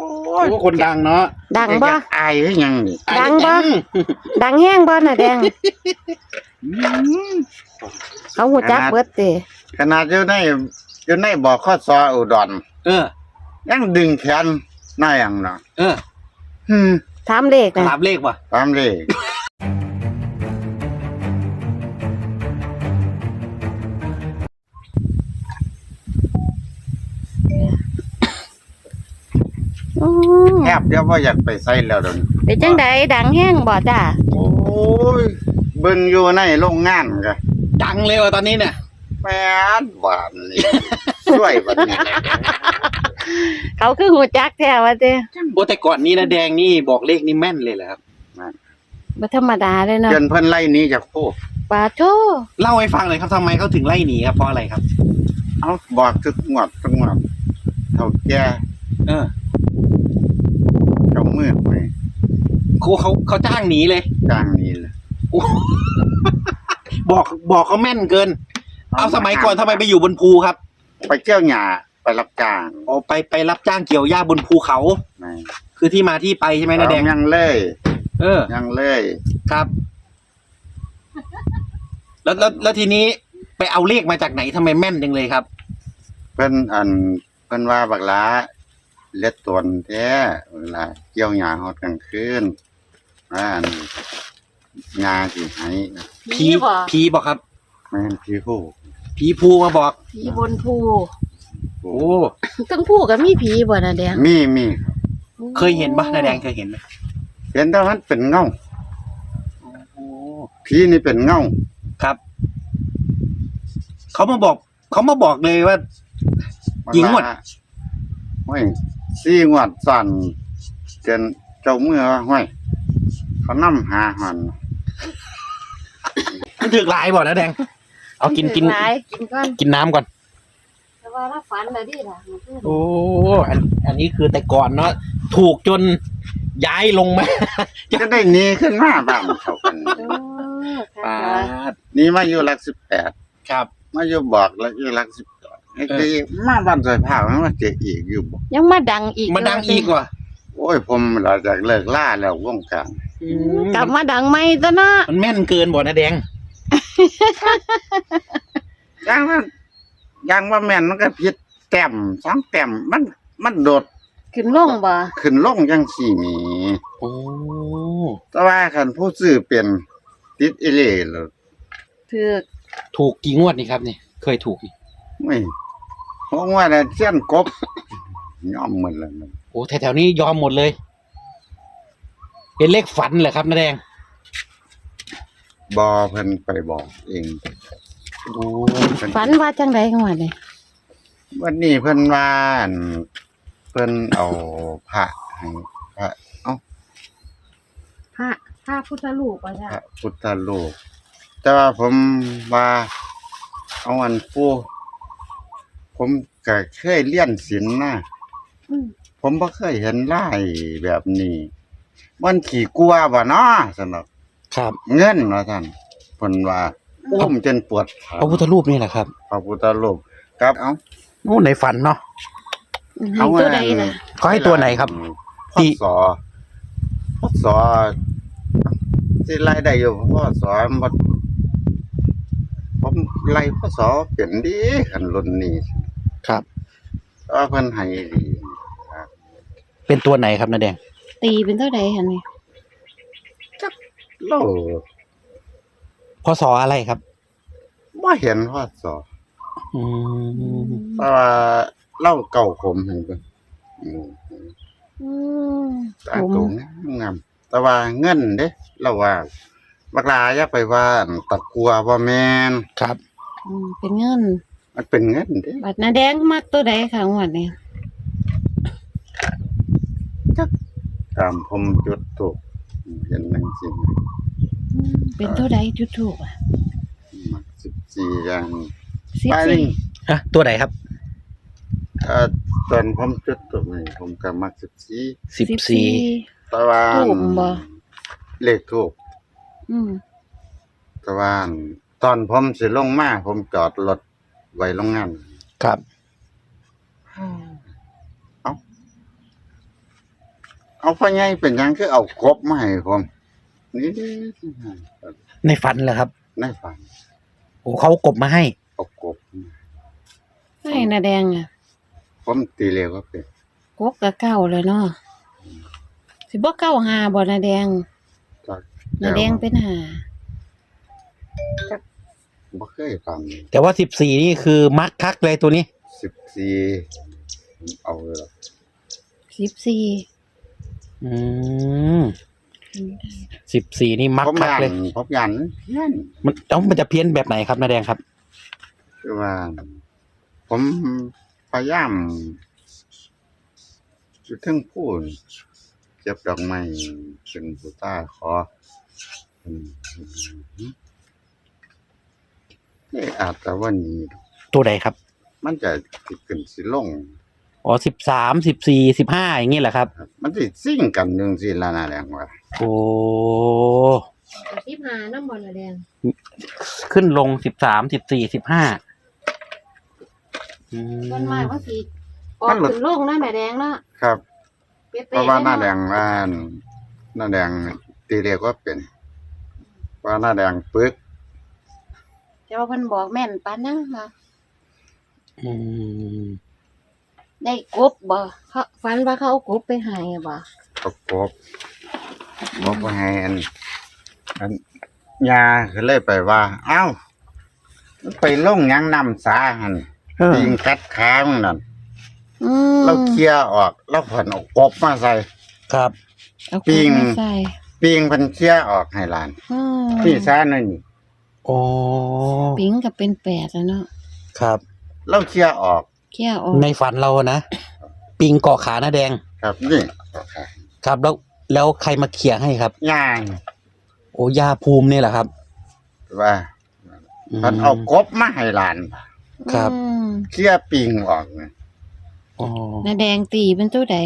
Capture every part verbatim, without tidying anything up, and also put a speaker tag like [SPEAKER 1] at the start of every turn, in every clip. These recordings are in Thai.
[SPEAKER 1] โอ้คนดังเนาะ
[SPEAKER 2] ดังบ่
[SPEAKER 1] อายหรือยังนี่
[SPEAKER 2] ดังบ่ดังแห้งบ่น่ะแดงเขาหูจักเบิดติ
[SPEAKER 1] ขนาดอยู่ในอยู่ในบ่อข้อซออุดร
[SPEAKER 3] เออ
[SPEAKER 1] ยังดึงแขนหน้าอย่างเนาะ
[SPEAKER 3] เออ
[SPEAKER 1] ฮึ
[SPEAKER 2] ถามเลขน่ะ
[SPEAKER 3] ถามเลขว่ะ
[SPEAKER 1] ถามเลขแทบเดี๋ยวว่าอยากไปใส่แล้วเดี๋ยวนี้
[SPEAKER 2] เป็นจังไดดังแห้งบ่จ้า
[SPEAKER 1] โอ้ยเบิ่งอยู่ในโรงงานก็
[SPEAKER 3] ดังเลยว่ะตอนนี้เนี่ย
[SPEAKER 1] แม่นหวานนี่ช่วยบัดนี้
[SPEAKER 2] เขาคือหูจักแท้ว่าติ
[SPEAKER 3] โอ้แต่ก่อนนี้นะแดงนี่บอกเลขนี่แม่นเลยเหรอครับ
[SPEAKER 2] บ่ธรรมดาเลยเนาะ
[SPEAKER 1] จนเพิ่นไล่หนีจากโพ
[SPEAKER 2] ปาโธ
[SPEAKER 3] เล่าให้ฟังหน่อยครับทำไมเขาถึงไล่หนีครับเพราะอะไรครับ
[SPEAKER 1] เอ้าบอกทุกงวดทุกงวดเฒ่าแก่
[SPEAKER 3] เออ
[SPEAKER 1] เจ้ามือไป
[SPEAKER 3] เขาเขาเขาจ้างหนีเลย
[SPEAKER 1] จ้างหนีเลย
[SPEAKER 3] บอกบอกเขาแม่นเกินเอาสมัยก่อนทำไมไปอยู่บนภูครับ
[SPEAKER 1] ไปเกี่ยวหญ้าไปรับจ้าง
[SPEAKER 3] อ๋อไปไปรับจ้างเกี่ยวหญ้าบนภูเขาคือที่มาที่ไปใช่ไหมนะแดง
[SPEAKER 1] ยังเลย
[SPEAKER 3] เออ
[SPEAKER 1] ยังเลย
[SPEAKER 3] ครับแล้วแล้วแล้วทีนี้ไปเอาเลขมาจากไหนทำไมแม่นจังเลยครับ
[SPEAKER 1] เพิ่นอันเพิ่นว่าบักหลาเล็ดตนแท้เวลาเกี่ยวหญ้าฮอดกลางคืนว่าอันหญ้าสิให้
[SPEAKER 3] ผีผีบอกครับ
[SPEAKER 1] แม่นผีผู้
[SPEAKER 3] ผีภูมาบอก
[SPEAKER 2] ผีบนภู
[SPEAKER 3] โอ้
[SPEAKER 2] ทั้งภูก็มีผีบ่น่ะแดง
[SPEAKER 1] มีมี
[SPEAKER 3] เคยเห็นป่ะนะแดงเคยเห็นมั้ย
[SPEAKER 1] เห็นแต่มันเป็นเงาโอ้ผีนี่เป็นเงา
[SPEAKER 3] ครับเขามาบอกเขามาบอกเลยว่ายิงหมด
[SPEAKER 1] โอ้ยสี่งวดสั่นจนเจ้ามือว่าห้อยเขานำหาหัน
[SPEAKER 3] มันถึกหลายบ่นะแดงเอากินกิน
[SPEAKER 2] กินก่อน
[SPEAKER 3] กินน้ำก่อน
[SPEAKER 2] แต่ว่าถ้าฝันน่ะดิล่ะ
[SPEAKER 3] โอ้อันอันนี้คือแต่ก่อนเนาะถูกจนย้ายลงมา
[SPEAKER 1] จะได้หนีขึ้นมาบ้างเขากัน
[SPEAKER 3] ปาด
[SPEAKER 1] นี่มาอยู่หลักสิบแปด
[SPEAKER 3] ครับ
[SPEAKER 1] มาอยู่บอกแล้วอยู่หลักสิบสองไอ้ที่มาบ้านสายผ้ามันมาเจออีกอยู่บ่
[SPEAKER 2] ยังมาดังอีก
[SPEAKER 3] มาดังอีกว่ะ
[SPEAKER 1] โอ้ยผมหลังจากเลิกล่าแล้ววงการ
[SPEAKER 2] กลับมาดังใหม่ซะเนาะ
[SPEAKER 3] มันแม่นเกินบ่นะแดง
[SPEAKER 1] ยังว่ายังว่าแม่นมันก็ผิดแต้มสองแต้มมันมันโดด
[SPEAKER 2] ขึ้นลงบ่
[SPEAKER 1] ขึ้นลงจังซี่นี่
[SPEAKER 3] โอ้
[SPEAKER 1] แต่ว่าคันผู้ซื้อเป็นติดอีหลีแล้ว
[SPEAKER 2] ถูก
[SPEAKER 3] ถูกกี่งวดนี่ครับนี่เคยถูกนี่
[SPEAKER 1] โอ้ยเพราะว่าน่ะเสี้ยนกบยอมหมดแล้ว
[SPEAKER 3] โอ้แถวๆนี้ยอมหมดเลยเป็นเลขฝันเหรอครับน้าแดง
[SPEAKER 1] บ่เพิ่นไปบอกเอง
[SPEAKER 2] โอ้ฝันว่าจังได๋งวดนี่
[SPEAKER 1] วันนี้เพิ่นว่าเพิ่นเอาพระให้พระเอ้า
[SPEAKER 2] พระพระพุทธรูปว่าจ้ะ
[SPEAKER 1] พระพุทธรูปแต่ว่าผมว่าเอาอันปู่ผมก็เคยเรียนศีลนะผมบ่เคยเห็นลายแบบนี้มันขี้กลัวบ่เนาะซั่นเนาะ
[SPEAKER 3] ครับ
[SPEAKER 1] เงินว่าซั่นเพิ่นว่าอุ้มจนปวดขา
[SPEAKER 3] พระพุทธรูปนี่แหละครับ
[SPEAKER 1] พระพุทธรูปครับเอ้า
[SPEAKER 3] โอ้ในฝันเนาะ
[SPEAKER 2] เอาตัวใดน่ะ
[SPEAKER 3] เขาให้ตัวไหนครับ
[SPEAKER 1] ที่สอพศสิไล่ได้อยู่พศบ่ผมไล่พศเป็นดีคันรุ่นนี้
[SPEAKER 3] ครับ
[SPEAKER 1] ว่าเพิ่นให้ดี
[SPEAKER 3] ครับเป็นตัวไหนครับน้าแดง
[SPEAKER 2] ตีเป็นเท่าใดหั่นนี่
[SPEAKER 1] จักโล
[SPEAKER 3] พศอะไรครับ
[SPEAKER 1] บ่เห็นพศ
[SPEAKER 3] อืม
[SPEAKER 1] เพราะว่าเล่าเก่าผมเห็นเพิ่นอืม
[SPEAKER 2] อืม
[SPEAKER 1] ตาตรงงามแต่ว่าเงินเด้เราว่าบักหลาอย่าไปว่าตะกัวบ่แม่น
[SPEAKER 3] ครับ
[SPEAKER 2] อืมเป็นเงิน
[SPEAKER 1] มันเป็นเงินเด้
[SPEAKER 2] บัดน้าแดงมักตัวใดค่ะงวดนี้
[SPEAKER 1] จักตามผมจุดถูกเห็นจังซี่
[SPEAKER 2] เป็นตัวใดจุดถูกอ่ะ
[SPEAKER 1] มักสิบสี่อย่าง
[SPEAKER 2] สิบสี่
[SPEAKER 3] ฮะตัวไหนครับ
[SPEAKER 1] เอ่อตอนผมจุดถูกนี่ผมก็มักสิบสี่
[SPEAKER 3] สิบสี่
[SPEAKER 1] แต่ว่า
[SPEAKER 2] ถูกบ่
[SPEAKER 1] เลขถูก
[SPEAKER 2] อืม
[SPEAKER 1] แต่ว่าตอนผมสิลงมาผมจอดรถไว้โรงงาน
[SPEAKER 3] ครับ
[SPEAKER 1] เอ้าเอาพ่อใหญ่เป็นหยังคือเอากบมาให้ผมนี่
[SPEAKER 3] ในฝันเหรอครับ
[SPEAKER 1] ในฝัน
[SPEAKER 3] โอ้เขาเอากบมาให้
[SPEAKER 1] เอากบ
[SPEAKER 2] ให้นาแดงอ่ะ
[SPEAKER 1] ผมตีเร็วก็เป็น
[SPEAKER 2] กบกับเก้าเลยเนาะสิบ่เก้าหาบ่นาแดง
[SPEAKER 1] จาก
[SPEAKER 2] นาแดงเป็นหา
[SPEAKER 1] บ่เคยฟัง
[SPEAKER 3] แต่ว่าสิบสี่นี่คือมักคักเลยตัวนี้
[SPEAKER 1] สิบสี่เอาเลยล่ะ
[SPEAKER 2] สิบสี่
[SPEAKER 3] อืมสิบสี่นี่มัก
[SPEAKER 1] ผม
[SPEAKER 3] คัก
[SPEAKER 1] ยัน
[SPEAKER 3] เลย
[SPEAKER 1] ผมยันเพี้ยน
[SPEAKER 3] มันเอ้ามันจะเพี้ยนแบบไหนครับนาแดงครับ
[SPEAKER 1] คือว่า ผมพยายามจุดถึงพูนเก็บดอกไม้เป็นผู้ตาขออืมนี่อาจจะวันนี้
[SPEAKER 3] ตัวใดครับ
[SPEAKER 1] มันจะสิขึ้นสิลง
[SPEAKER 3] อ๋อสิบสามสิบสี่สิบห้าอย่างนี้แหละครับ
[SPEAKER 1] ครับมันสิซิ่งกันจังซี่ล่ะนะแรงว่า
[SPEAKER 3] โอ้
[SPEAKER 2] สิบหาน้ำบ่นาแดง
[SPEAKER 3] ขึ้นลงสิบสามสิบสี่สิบห้า
[SPEAKER 2] ส่วนมากก็สิออกขึ้นลงนะนาแดงเนาะ
[SPEAKER 1] ครับ
[SPEAKER 2] เป๊ะๆ
[SPEAKER 1] เพราะว่าหน้าแด
[SPEAKER 2] เะ
[SPEAKER 1] งว่าหน้าแดงตีเรียกว่าเป็น ว่าหน้าแดงปึก
[SPEAKER 2] แต่ว่าเพิ่นบอกแม่นปานนั้นค่ะ
[SPEAKER 3] อืม
[SPEAKER 2] ได้กบบ่เขาฝันว่าเขาเอากบไปให้บ่
[SPEAKER 1] ประกบบอกว่าให้อันอันยาก็เลยไปว่า เอ้ามันไปลงหยังนำสาหัน
[SPEAKER 3] เออ
[SPEAKER 1] ยิงกัดขามึงนั่น
[SPEAKER 2] อืม
[SPEAKER 1] เราเคลียร์ออกแล้วผ่อนเอากบมาใส่
[SPEAKER 3] ครับ
[SPEAKER 2] เอากบ
[SPEAKER 1] ปิ้ง
[SPEAKER 2] มาใส่
[SPEAKER 1] ปิงเพันเคลียร์ออกให้หลาน
[SPEAKER 2] อืม
[SPEAKER 1] พี่ซ่าหน่อยนี่
[SPEAKER 3] โอ้
[SPEAKER 2] ปิงก็เป็นแปดแล้วเนาะ
[SPEAKER 3] ครับ
[SPEAKER 1] เราเคลียร์ออก
[SPEAKER 2] เขี้ยวออก
[SPEAKER 3] ในฝันเราอะนะ ปิงเกาะขาหน้าแดง
[SPEAKER 1] ครับนี่
[SPEAKER 3] ครับ แล้วแล้วใครมาเขี่ยให้ครับ
[SPEAKER 1] ย่าง
[SPEAKER 3] โอ้ย่าภูมิเนี่ยแหละครับ
[SPEAKER 1] ว่า
[SPEAKER 3] อืม
[SPEAKER 1] มันเอากบมาให้หลาน
[SPEAKER 3] ครับ
[SPEAKER 2] อืม
[SPEAKER 1] เคลียร์ปิงออกนะ
[SPEAKER 3] อ๋อ
[SPEAKER 2] นาแดงตีเป็นตัวใด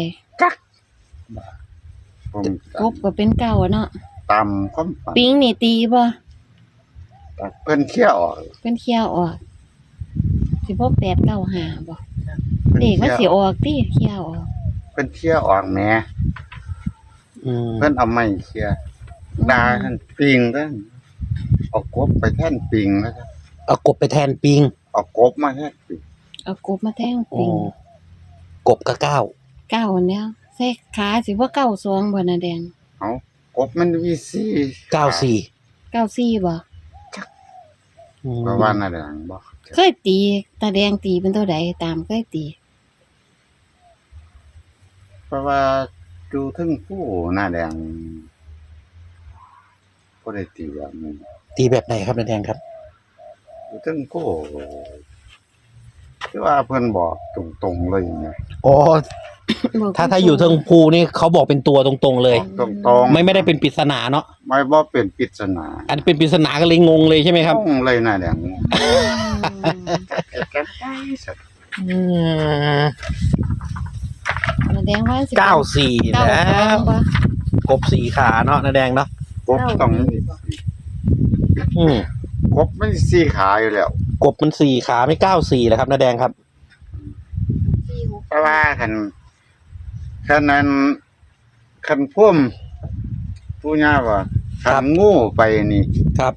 [SPEAKER 1] ผม
[SPEAKER 2] กบก็เป็นเก้าอะเนาะ
[SPEAKER 1] ตามความฝัน
[SPEAKER 2] ปิงนี่ตีบ่
[SPEAKER 1] เพิ่นเคลียร์ออก
[SPEAKER 2] เป็นเขี้ยวออกสิบ่แปดเก้าห้าบ่
[SPEAKER 1] เพิ่น
[SPEAKER 2] เด็ก
[SPEAKER 1] เค
[SPEAKER 2] มัน
[SPEAKER 1] ลีย
[SPEAKER 2] สิ
[SPEAKER 1] ร์
[SPEAKER 2] ออกติเขี้ยวออก
[SPEAKER 1] เพิ่นเคลียร์ออกแหม
[SPEAKER 3] อืม
[SPEAKER 1] เพิ่นเอาไม้เคลียร์ดาท่านปิงเด้อเอากบไปแทนปิงแล้วครับ
[SPEAKER 3] เอากบไปแทนปิง
[SPEAKER 1] เอากบมาแทนปิง
[SPEAKER 2] เอากบมาแทง
[SPEAKER 3] โอ้
[SPEAKER 2] ปิง
[SPEAKER 3] กบกับเก้า
[SPEAKER 2] เก้าอันแล้วใส่ขาสิบ่เก้าสองบ่นาแดง
[SPEAKER 1] เอากบมันมีสี่
[SPEAKER 3] เก้าสี่
[SPEAKER 2] เก้าสี่บ่
[SPEAKER 3] อืม
[SPEAKER 1] เพราะว่าน่าแดงบ่
[SPEAKER 2] เคยตีตาแดงตีเป็นตัวใดตามเคยตี
[SPEAKER 1] เพราะว่าดูถึงผู้หน้าแดงบ่ได้ตีแบบนี้
[SPEAKER 3] ตีแบบไหนครับหน้าแดงครับ
[SPEAKER 1] ดูถึงผู้คือว่าเพิ่นบอกตรงๆเลยนะ
[SPEAKER 3] อ๋อ ถ้าถ้าอยู่เทิงภูนี่เขาบอกเป็นตัวตรงๆเลย
[SPEAKER 1] ตรงๆ
[SPEAKER 3] ไม่ไม่ได้เป็นปริศนาเนาะ
[SPEAKER 1] ไม่บ่เป็นปริศนา
[SPEAKER 3] อันเป็นปริศนาก็เลยงงเลยใช่ไหมครับ
[SPEAKER 1] ต้องเลยหน้าแดง
[SPEAKER 2] อืม
[SPEAKER 3] อืม
[SPEAKER 2] นาแดงว่าสิ
[SPEAKER 3] เก้าสี่
[SPEAKER 2] เก้า
[SPEAKER 3] นะ
[SPEAKER 2] สองบ่
[SPEAKER 3] กบสี่ขาเนาะหน้าแดงเนาะ
[SPEAKER 1] กบต้องมี
[SPEAKER 3] อืม
[SPEAKER 1] กบมันสี่ขาอยู่แล้ว
[SPEAKER 3] กบมันสี่ขาไม่เก้าสี่แล้วครับหน้าแดงครับ
[SPEAKER 2] สี่หก
[SPEAKER 1] เพราะว่าคันคันนั้นคันพุ่มผู้ย่าว่าคันงูไปนี่
[SPEAKER 3] ครับ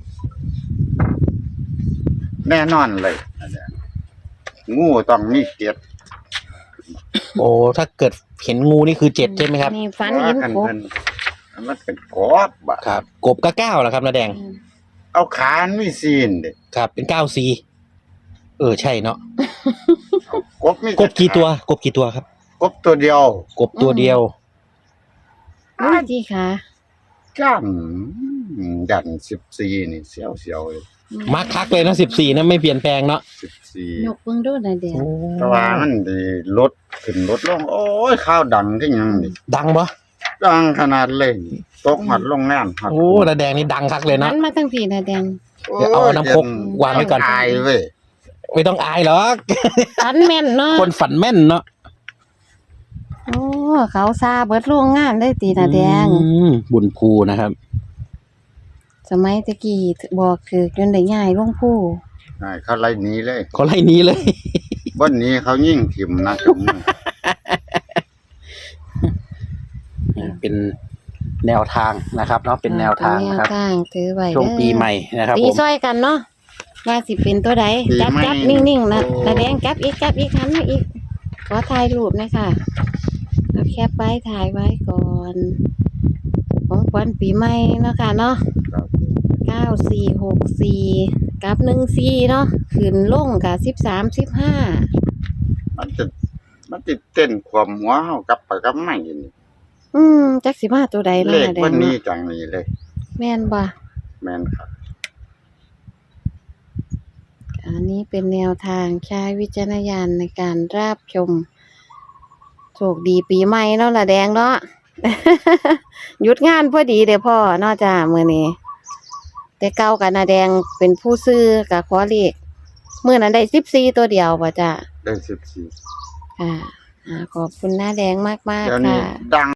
[SPEAKER 1] แน่นอนเลยงูต้องมีเก็บ
[SPEAKER 3] โอ้ถ้าเกิดเห็นงูนี่คือเจ็ดใช่ไหมครับ
[SPEAKER 2] นี่ฝันเห็น
[SPEAKER 1] คัน
[SPEAKER 2] กบ
[SPEAKER 1] เพิ่นมันเป็นกบบ่ะ
[SPEAKER 3] ครับ กบก็เก้าแล้วครับหน้าแดง
[SPEAKER 2] อืม
[SPEAKER 1] เอาขามีซีนเด้
[SPEAKER 3] ครับ เป็นเก้าสี่เออใช่เนาะ
[SPEAKER 1] กบมี
[SPEAKER 3] กบกี่ตัว กบกี่ตัวครับ
[SPEAKER 1] กบตัวเดียว
[SPEAKER 3] กบตัวเดียว
[SPEAKER 2] อุ้ยจีขา
[SPEAKER 1] จ้านดันสิบสี่นี่เสียวๆเลย
[SPEAKER 3] มาร์คคักเลยนะสิบสี่นะไม่เปลี่ยนแปลงเนาะ
[SPEAKER 1] สิบสี่
[SPEAKER 2] ยกเบิ่งดูนาแดง
[SPEAKER 1] แต่ว่ามันดีลดขึ้นลดลง โอ้ยข้าวดังที่ยังนี่
[SPEAKER 3] ดังปะ
[SPEAKER 1] ดังขนาดเลยตกหัดลงงานหัด
[SPEAKER 3] โอ้หน้าแดงนี่ดังคักเลย
[SPEAKER 2] มั
[SPEAKER 3] เนาะ
[SPEAKER 2] นมาทั้งพี่นาแดง
[SPEAKER 1] โอ้ย
[SPEAKER 3] เดี๋ยวเอาน้ำคกวางไว้ก่อน
[SPEAKER 1] ตายเว้ย
[SPEAKER 3] ไม่ต้องอายหรอก
[SPEAKER 2] ฝันแม่นเนาะ
[SPEAKER 3] คนฝันแม่นเนาะ
[SPEAKER 2] โอ้เขาซาเบิดโรงงานได้ตีนาแดง
[SPEAKER 3] อืมบุญภูนะครับ
[SPEAKER 2] สมัยตะกี้บอกคือจนได้ย้ายลงผู้
[SPEAKER 1] ใช่เขาไล่หนีเลย
[SPEAKER 3] เขาไล่หนี้เลย
[SPEAKER 1] บนนี้เขายิ่งถิ่มนะจมมือ
[SPEAKER 2] ให้
[SPEAKER 3] นี่เป็นแนวทางนะครับเนาะเป็นแนวทาง
[SPEAKER 2] เป็นแน
[SPEAKER 3] นะ
[SPEAKER 2] ว
[SPEAKER 3] ครับ
[SPEAKER 2] ทางถือไว้
[SPEAKER 3] ช่วง
[SPEAKER 2] เด้อ
[SPEAKER 3] ปีใหม่นะครับ
[SPEAKER 2] ตี
[SPEAKER 3] ผม
[SPEAKER 2] ซอยกันเนาะว่าสิเป็นตัวใด
[SPEAKER 1] ปี
[SPEAKER 2] จับ
[SPEAKER 1] ใหม่
[SPEAKER 2] จับนิ่งๆนะ
[SPEAKER 1] โอ้
[SPEAKER 2] นาแดงจับอีกจับอีกหันมาอีกขอถ่ายรูปหนะคะเอาแคปไว้ถ่ายไว้ก่อนของขวัญปีใหม่เนาะค่ะเนาะ
[SPEAKER 1] ครับ
[SPEAKER 2] เก้าสี่หกสี่กับหนึ่งสี่เนาะขึ้นลงกับสิบสามสิบห้า
[SPEAKER 1] มันจะมันติดเต้นความหัวเฮากับไปกับไม่นี่
[SPEAKER 2] อืมจักสิมาตัวใด
[SPEAKER 1] เล
[SPEAKER 2] เนาะ
[SPEAKER 1] ข
[SPEAKER 2] นาแด
[SPEAKER 1] วั
[SPEAKER 2] ง
[SPEAKER 1] นนี้
[SPEAKER 2] เนาะ
[SPEAKER 1] จังนี้เลย
[SPEAKER 2] แม่นบ่
[SPEAKER 1] แม่นครับ
[SPEAKER 2] อันนี้เป็นแนวทางใช้วิจารณญาณในการรับชมโชคดีปีใหม่เนาะละแดงเนาะ หยุดงานพอดีเด้อพ่อเนอกจากมื้อนี้ แต่เก่ากันนาแดงเป็นผู้ซื้อกับขอเลขมื้อนั้นได้สิบสี่ตัวเดียวบ่จ้ะ
[SPEAKER 1] ได้สิบสี่
[SPEAKER 2] ค่ะอ่าขอบคุณน้าแดงมาก
[SPEAKER 1] เดี๋ยว
[SPEAKER 2] ๆ
[SPEAKER 1] นี้
[SPEAKER 2] ค่ะ
[SPEAKER 1] ดัง